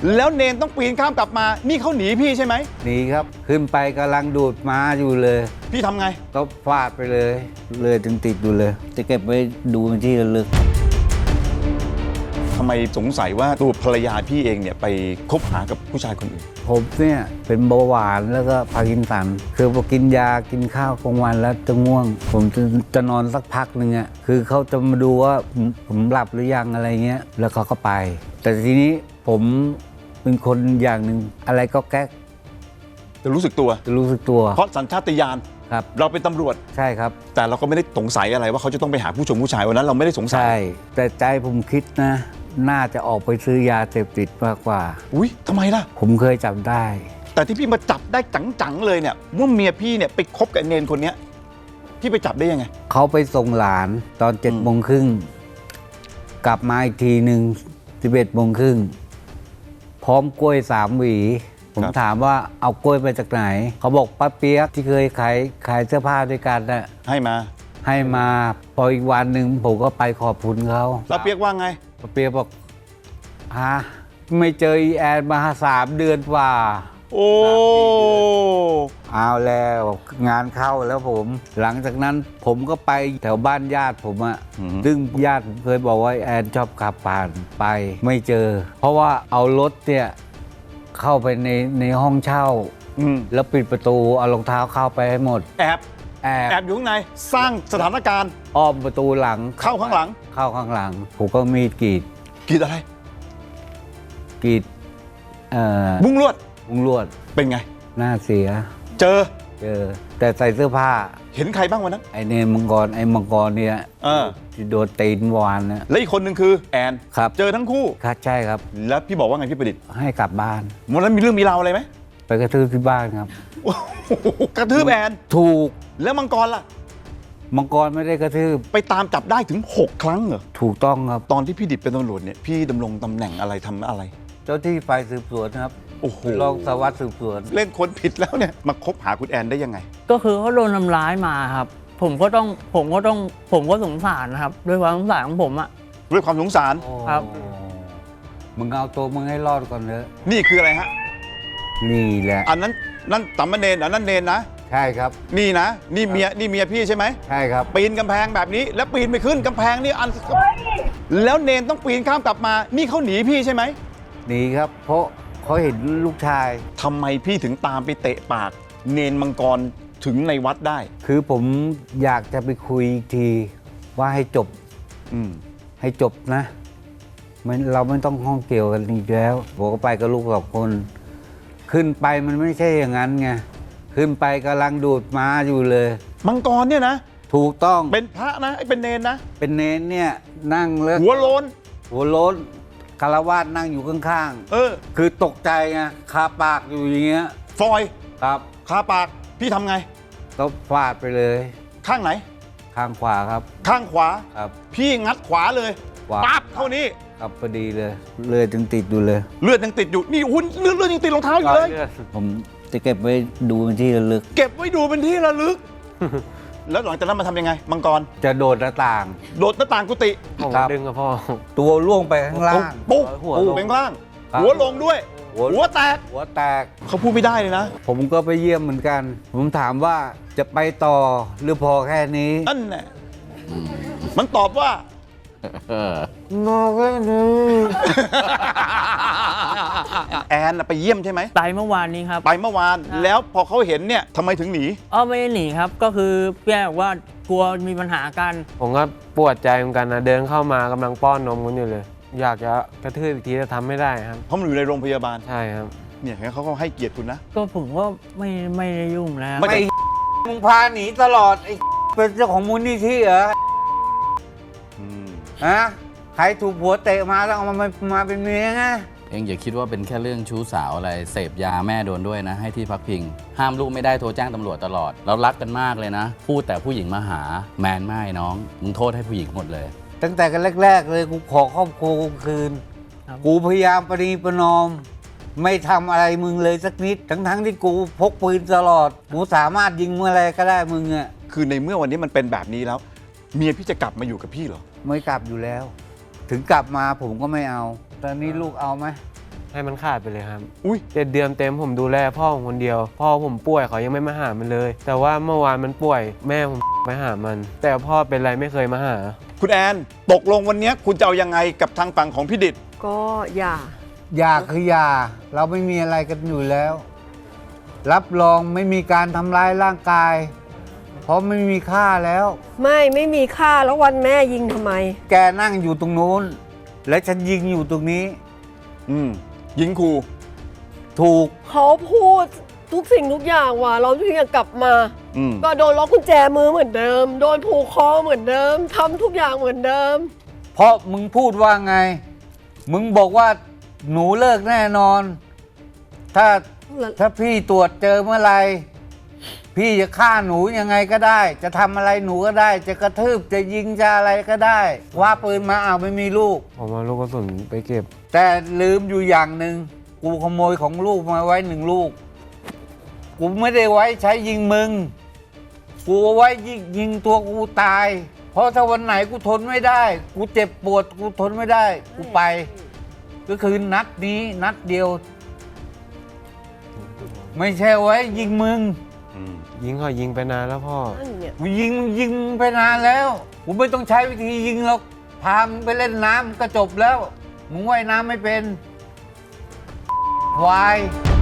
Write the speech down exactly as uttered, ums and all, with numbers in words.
แล้วเนนต้องปีนข้ามกลับมานี่เขาหนีพี่ใช่ไหมหนีครับขึ้นไปกำลังดูดม้าอยู่เลยพี่ทำไงก็ฟาดไปเลยเลยถึงติดอยู่เลยจะเก็บไว้ดูเป็นที่ระลึกทำไมสงสัยว่าตัวภรรยาพี่เองเนี่ยไปคบหากับผู้ชายคนอื่นผมเนี่ยเป็นเบาหวานแล้วก็พาร์กินสันคือพอกินยากินข้าวกลางวันแล้วจะง่วงผมจะจะนอนสักพักหนึ่งอ่ะคือเขาจะมาดูว่าผมผมหลับหรือยังอะไรเงี้ยแล้วเขาก็ไปแต่ทีนี้ผมเป็นคนอย่างหนึ่งอะไรก็แก๊กจะรู้สึกตัวจะรู้สึกตัวเพราะสัญชาตญาณครับเราเป็นตำรวจใช่ครับแต่เราก็ไม่ได้สงสัยอะไรว่าเขาจะต้องไปหาผู้ชมผู้ชายวันนั้นเราไม่ได้สงสัยใช่แต่ใจผมคิดนะน่าจะออกไปซื้อยาเสพติดมากกว่าอุ้ยทำไมล่ะผมเคยจับได้แต่ที่พี่มาจับได้จังๆเลยเนี่ยว่าเมียพี่เนี่ยไปคบกับเนนคนเนี้ยพี่ไปจับได้ยังไงเขาไปส่งหลานตอนเจ็ดโมงครึ่งกลับมาอีกทีหนึ่งสิบเอ็ดโมงครึ่งพร้อมกล้วยสามหวีผมถามว่าเอากล้วยไปจากไหนเขาบอกป้าเปี๊ยกที่เคยขายขายเสื้อผ้าด้วยกันน่ะให้มาให้มาพออีกวันหนึ่งผมก็ไปขอบคุณเขาป้าเปี๊ยกว่าไงป้าเปี๊ยกบอกฮะไม่เจออีแอนมาสามเดือนกว่าโอ้เอาแล้วงานเข้าแล้วผมหลังจากนั้นผมก็ไปแถวบ้านญาติผมอะซึ่งญาติผมเคยบอกว่าแอนชอบขับผ่านไปไม่เจอเพราะว่าเอารถเนี่ยเข้าไปในในห้องเช่าแล้วปิดประตูเอารองเท้าเข้าไปให้หมดแอบแอบแอบอยู่ข้างในสร้างสถานการณ์อ้อมประตูหลังเข้าข้างหลังเข้าข้างหลังผมก็มีกรีดกรีดอะไรกรีดเอ่อบุ้งลวดบุ้งลวดเป็นไงหน้าเสียเจอเจอแต่ใส่เสื้อผ้าเห็นใครบ้างวันนั้นไอเนมังกรไอมังกรเนี่ยที่โดนตีนวานนะแล้วอีกคนหนึ่งคือแอนครับเจอทั้งคู่ครับใช่ครับแล้วพี่บอกว่าไงพี่ประดิษฐ์ให้กลับบ้านวันนั้นมีเรื่องมีราวอะไรไหมไปกระทืบที่บ้านครับกระทืบแอนถูกแล้วมังกรล่ะมังกรไม่ได้กระทืบไปตามจับได้ถึงหกครั้งเหรอถูกต้องครับตอนที่พี่ดิษฐ์เป็นตำรวจเนี่ยพี่ดำรงตำแหน่งอะไรทำอะไรเจ้าที่ฝ่ายสืบสวนครับโอ้โหรองสารวัตรสืบสวนเล่นคนผิดแล้วเนี่ยมาคบหาคุณแอนได้ยังไงก็คือเขาโดนทำร้ายมาครับผมก็ต้องผมก็ต้องผมก็สงสารนะครับด้วยความสงสารของผมอะด้วยความสงสารครับมึงเอาตัวมึงให้รอดก่อนเถอะนี่คืออะไรฮะนี่แหละอันนั้นนั่นสามเณรอันนั้นเนรนะใช่ครับนี่นะนี่เมียนี่เมียพี่ใช่ไหมใช่ครับปีนกำแพงแบบนี้แล้วปีนไปขึ้นกำแพงนี่อันแล้วเนรต้องปีนข้ามกลับมานี่เขาหนีพี่ใช่ไหมหนีครับเพราะเขาเห็นลูกชายทำไมพี่ถึงตามไปเตะปากเนรมังกรถึงในวัดได้คือผมอยากจะไปคุยทีว่าให้จบอืมให้จบนะมันเราไม่ต้องห้องเกี่ยวกันอีกแล้วผมก็ไปกับลูกสองคนขึ้นไปมันไม่ใช่อย่างนั้นไงขึ้นไปกำลังดูดม้าอยู่เลยมังกรเนี่ยนะถูกต้องเป็นพระนะไอ้เป็นเนรนะเป็นเนรเนี่ยนั่งแล้วหัวโลนหัวโลนคารวาสนั่งอยู่ข้างๆเออคือตกใจไงคาปากอยู่อย่างเงี้ยฟอยครับคาปากพี่ทำไงก็ฟาดไปเลยข้างไหนข้างขวาครับข้างขวาครับพี่งัดขวาเลยปั๊บเท่านี้ครับพอดีเลยเลือดยังติดอยู่เลยเลือดยังติดอยู่นี่หุ้นเลือดเลือดยังติดรองเท้าอยู่เลยผมจะเก็บไว้ดูเป็นที่ระลึกเก็บไว้ดูเป็นที่ระลึกแล้วหลังจากนั้นมาทำยังไงมังกรจะโดดหน้าต่างโดดหน้าต่างกุฏิดึงกับพ่อตัวล่วงไปข้างล่างปุ๊บปุ๊บไปข้างล่างหัวลงด้วยหัวแตกหัวแตกเขาพูดไม่ได้เลยนะผมก็ไปเยี่ยมเหมือนกันผมถามว่าจะไปต่อหรือพอแค่นี้นั่นแหละมันตอบว่ามอแค่นี้แอนไปเยี่ยมใช่ไหมไปเมื่อวานนี้ครับไปเมื่อวานแล้วพอเขาเห็นเนี่ยทำไมถึงหนีอ๋อไม่ได้หนีครับก็คือพี่แอนบอกว่ากลัวมีปัญหากันผมก็ปวดใจเหมือนกันนะเดินเข้ามากำลังป้อนนมกันอยู่เลยอยากจะกระทืบอีกทีจะทำไม่ได้ครับเพราะมันอยู่ในโรงพยาบาลใช่ครับเนี่ยเขาก็ให้เกียรติคุณนะก็ผมก็ไม่ไม่ได้ยุ่งแล้วไม่มึงพาหนีตลอดไอ้เป็นเจ้าของมูลนิธิเหรอฮะใครถูกผัวเตะมาต้องเอามามาเป็นเมียไงเองอย่าคิดว่าเป็นแค่เรื่องชู้สาวอะไรเสพยาแม่โดนด้วยนะให้ที่พักพิงห้ามลูกไม่ได้โทรแจ้งตำรวจตลอดเรารักกันมากเลยนะพูดแต่ผู้หญิงมาหาแมนไม่น้องมึงโทษให้ผู้หญิงหมดเลยตั้งแต่กันแรกๆเลยกูขอครอบครัวกูคืนกูพยายามประนีประนอมไม่ทำอะไรมึงเลยสักนิดทั้งๆที่กูพกปืนตลอดกูสามารถยิงเมื่อไรก็ได้มึงอ่ะคือในเมื่อวันนี้มันเป็นแบบนี้แล้วเมียพี่จะกลับมาอยู่กับพี่เหรอไม่กลับอยู่แล้วถึงกลับมาผมก็ไม่เอาตอนนี้ลูกเอาไหมให้มันขาดไปเลยครับอุ้ยเจ็ดเดือนเต็มผมดูแลพ่อผมคนเดียว พ่อผมป่วยเขายังไม่มาหามันเลย แต่ว่าเมื่อวานมันป่วยแม่ผมไปหามัน แต่พ่อเป็นไรไม่เคยมาหาคุณแอนตกลงวันนี้คุณจะเอายังไงกับทางฝั่งของพี่ดิษฐ์ก็อย่ายาคือยา เราไม่มีอะไรกันอยู่แล้ว รับรองไม่มีการทำร้ายร่างกาย เพราะไม่มีค่าแล้วไม่ไม่มีค่าแล้ววันแม่ยิงทำไมแกนั่งอยู่ตรงนู้น และฉันยิงอยู่ตรงนี้อืมยิงครูถูกเขาพูดทุกสิ่งทุกอย่างว่าเราถึงจะกลับมาอืมก็โดนล็อกกุญแจมือเหมือนเดิม โดนผูกคอเหมือนเดิมทำทุกอย่างเหมือนเดิมเพราะมึงพูดว่าไง มึงบอกว่าหนูเลิกแน่นอน ถ้าถ้าพี่ตรวจเจอเมื่อไหรพี่จะฆ่าหนูยังไงก็ได้ จะทำอะไรหนูก็ได้ จะกระทืบจะยิงจะอะไรก็ได้ว่าปืนมาอ้าวไม่มีลูกผมเอาลูกกระสุนไปเก็บแต่ลืมอยู่อย่างหนึ่งกูขโมยของลูกมาไว้หนึ่งลูก กูไม่ได้ไว้ใช้ยิงมึง กูเอาไว้ยิงยิงตัวกูตาย เพราะถ้าวันไหนกูทนไม่ได้ กูเจ็บปวดกูทนไม่ได้ กูไป ก็คือนัดนี้นัดเดียว ไม่ใช่ไว้ยิงมึงยิงเขายิงไปนานแล้วพ่อนั่นเนี่ยกูยิงยิงไปนานแล้ว กูไม่ต้องใช้วิธียิงหรอก พามึงไปเล่นน้ำก็จบแล้ว มึงว่ายน้ำไม่เป็นควาย